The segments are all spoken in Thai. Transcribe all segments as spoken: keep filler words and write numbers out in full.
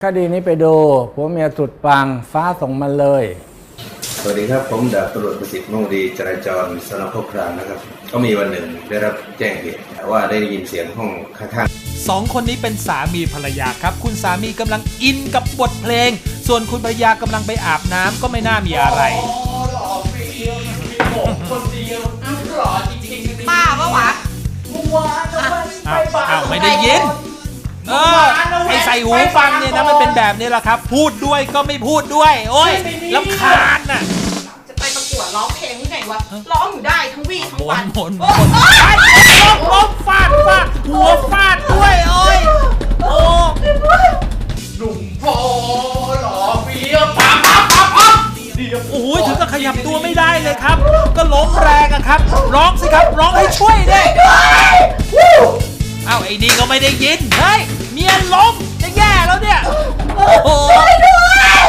คดีนี้ไปดูผัวเมียสุดปังฟ้าส่งมาเลยสวัสดีครับผมดาบตำรวจประสิทธิ์มุ่งดีจราจรสน.โคกครามนะครับก็มีวันหนึ่งได้รับแจ้งเหตุว่าได้ยินเสียงห้องข้างๆสองคนนี้เป็นสามีภรรยาครับคุณสามีกำลังอินกับบทเพลงส่วนคุณภรรยากำลังไปอาบน้ำก็ไม่น่ามีอะไรป้าปะวะอ้าวอ้าวไม่ได้ยินเออไอใส่หูฟังเนี่ยนะมันเป็นแบบนี้แหละครับพูดด้วยก็ไม่พูดด้วยโอ้ยรำคาญน่ะจะไปประกวดร้องเพลงที่ไหนวะร้องอยู่ได้ทั้งวี่ทั้งวันหมนหมนล้มล้มฟาดฟาดหัวฟาดด้วยโอ้ยโอ้หนุ่มโพหล่อเฟี้ยวปั๊มปั๊มปั๊มปั๊มโอ้ยถึงกับขยับตัวไม่ได้เลยครับก็ล้มแรงอะครับร้องสิครับร้องให้ช่วยดิอ้าวไอ้นี่ก็ไม่ได้ยินเฮ้ยเมียล้มจะแย่แล้วเนี่ยโอ้ช่วยด้วย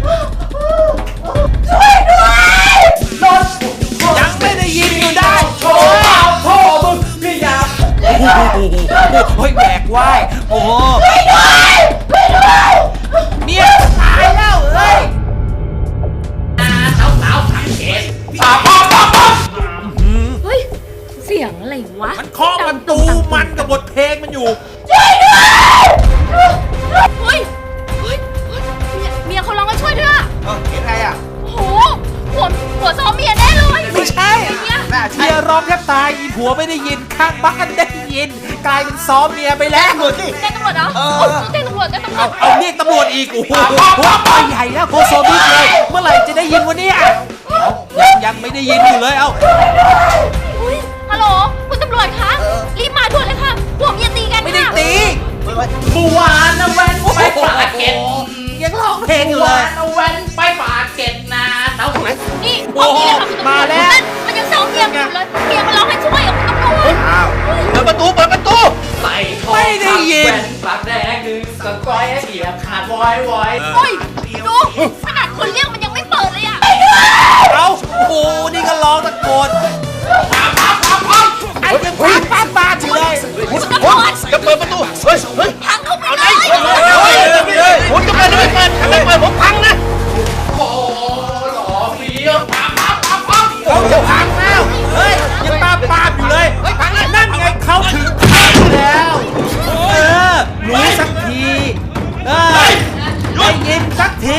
ช่วยด้วยรถยังไม่ได้ยินอยู่ได้โชว์เปล่าโชว์มึงพี่ยาโอ้ยแบกไหวโอ้ช่วยด้วยช่วยด้วยเมียตายแล้วเฮ้ยสาวสาวสังเกตปั๊มปั๊มปั๊มปั๊มเฮ้ยเสียงอะไรวะมันเคาะประตูมันกับบทเพลงมันอยู่ช่วยด้วยเฮ้ยเฮ้ยเมียเขาร้องให้ช่วยด้วยอะเออเห็นไงอ่ะโหหัวหัวซ้อมเมียแน่เลยไม่ใช่เมียร้องแทบตายอีผัวไม่ได้ยินข้างบ้านได้ยินกลายเป็นซ้อมเมียไปแล้วสิแจ้งตำรวจเหรอเออแจ้งตำรวจแจ้งตำรวจเอาเรียกตำรวจอีกโอ้โหไปใหญ่แล้วโคโซบิเลยเมื่อไหร่จะได้ยินวะเนี่ยยังยังไม่ได้ยินอยู่เลยเอาฮัลโหลคุณตำรวจคะรีบมาด่วนเลยค่ะผัวเมียตีกันค่ะไม่ได้ตีเมื่อวานนะแว่นไปปากเก็ตยังร้องเพลงอยู่เลยเอาแว่นไปปากเก็ตนะเท่าไหร่นี่โอ้มาแล้วมันยังซ้อมเมียอยู่เลยเมียมันร้องให้ช่วยอ่ะคุณตำรวจอ้าวเปิดประตูเปิดประตูใส่ทองไม่ได้ยินแว่นปากแดงหนึ่งสก้อยเสียบขาดวอยวอยโอ้ยดูขนาดคนเรียกมันยังไม่เปิดเลยอ่ะเอาโอ้นี่ก็ร้องตะโกนปั๊มปั๊มปั๊มปั๊มไอ้ยังปั๊มปั๊มปั๊มอยู่เลยคุณตำรวจจะเปิดประตูเฮ้ยเฮ้ยพังเข้าไปเลยผมจะเปิดไม่เปิดถ้าไม่เปิดผมพังนะโอ้หล่อเฟี้ยวปั๊มปั๊มปั๊มปั๊มผมจะพังแล้วเฮ้ยยังปั๊มปั๊มอยู่เลยเฮ้ยพังแล้วนั่นไงเขาถึงพังแล้วเออรู้สักทีเออได้ยินสักที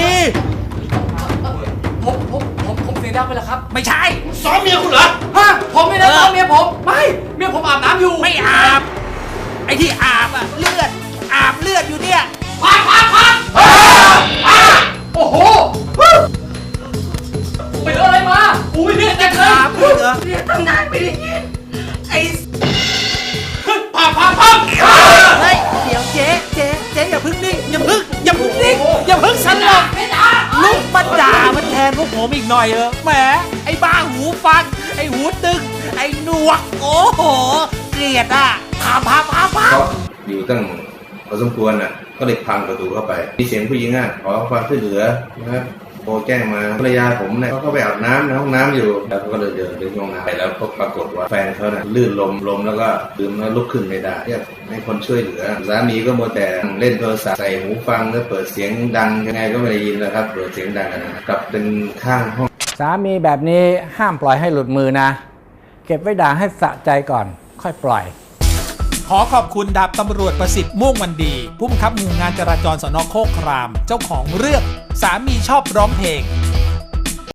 ผมผมผมผมเสียงดังไปแล้วครับไม่ใช่ซ้อมเมียคุณเหรอฮะผมไม่ได้ซ้อมเมียผมไม่เมียผมอาบน้ำอยู่ไม่อาบไอ้ที่อาบอะเลือดอาบเลือดอยู่เนี่ยพักพักพักโอ้โหไปโดนอะไรมาอุ้ยเลือดจะเกินเลือดตั้งนานไม่ได้ยินไอ้พักพักพักเฮ้ยเดี๋ยวเจ๊เจ๊เจ๊อย่าพึ่งนิ่งอย่าพึ่งอย่าพึ่งนิ่งอย่าพึ่งสลบลุกมาด่ามันแทนพวกผมอีกหน่อยเออแหมไอ้บ้าหูฟังไอ้หูตึงไอ้หนวกโอ้โหเกลียดอ่ะพาพาพาพาอยู่ตั้งพอสมควรอ่ะก็เลยพังประตูเข้าไปมีเสียงผู้หญิงอ่ะขอความช่วยเหลือนะครับโทรแจ้งมาภรรยาผมเนี่ยเขาก็ไปอาบน้ำในห้องน้ำอยู่แล้วเขาก็เลยเดินไปห้องน้ำไปแล้วก็ปรากฏว่าแฟนเขาเนี่ยลื่นลมลมแล้วก็ดื่มแล้วลุกขึ้นไม่ได้เรียกให้คนช่วยเหลือสามีก็มัวแต่เล่นโทรศัพท์ใส่หูฟังแล้วเปิดเสียงดังยังไงก็ไม่ได้ยินนะครับเปิดเสียงดังนะกลับเป็นข้างห้องสามีแบบนี้ห้ามปล่อยให้หลุดมือนะเก็บไว้ด่าให้สะใจก่อนค่อยปล่อยขอขอบคุณดาบตำรวจประสิทธิ์ม่วงวันดีผู้บังคับหมู่งานจราจรสน.โคกครามเจ้าของเรื่องสามีชอบร้องเพลง